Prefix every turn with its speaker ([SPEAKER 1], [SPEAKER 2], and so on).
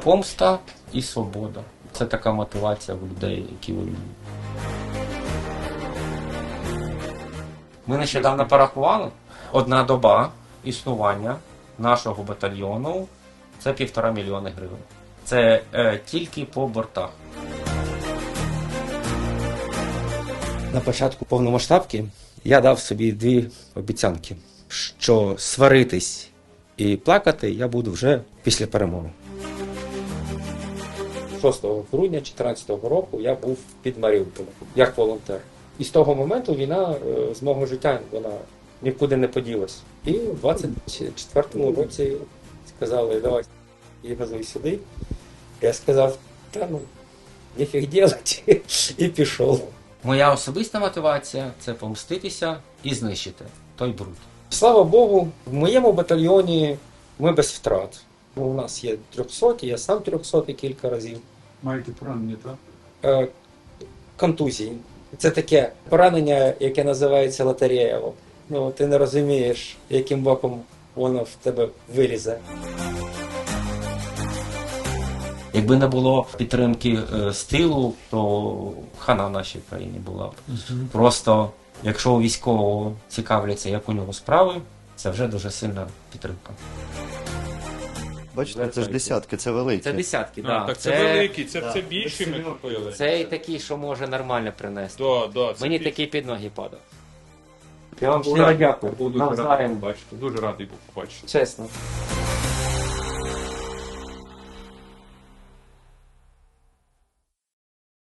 [SPEAKER 1] помста і свобода. Це така мотивація в людей, які воюють. Ми нещодавно порахували, одна доба існування нашого батальйону – це 1,5 мільйона гривень. Це тільки по бортах. На початку повномасштабки я дав собі 2 обіцянки, що сваритись і плакати я буду вже після перемоги. 6 грудня 2014 року я був під Маріуполем як волонтер. І з того моменту війна з мого життя вона нікуди не поділась. І в 24-му році сказали, давай, і газуй сюди. Я сказав, та ну, ніфіг делать, і пішов. Моя особиста мотивація – це помститися і знищити той бруд. Слава Богу, в моєму батальйоні ми без втрат. У нас є 300, я сам 300 кілька разів.
[SPEAKER 2] Маєте поранення, так?
[SPEAKER 1] Контузії. Це таке поранення, яке називається лотерея. Ну, ти не розумієш, яким боком воно в тебе вилізе. Якби не було підтримки з тилу, то хана в нашій країні була б. Просто, якщо у військового цікавляться, як у нього справи, це вже дуже сильна підтримка.
[SPEAKER 3] Бачите, це ж десятки, це великі.
[SPEAKER 1] Це десятки, так.
[SPEAKER 2] Так це великий, це більші ми купили.
[SPEAKER 1] Це такий, що може нормально принести.
[SPEAKER 2] Да,
[SPEAKER 1] Мені такий під ноги падав. Я вам щиро дякую.
[SPEAKER 2] Буду
[SPEAKER 1] Навзаєм.
[SPEAKER 2] бачити. Дуже радий був побачити.
[SPEAKER 1] Чесно.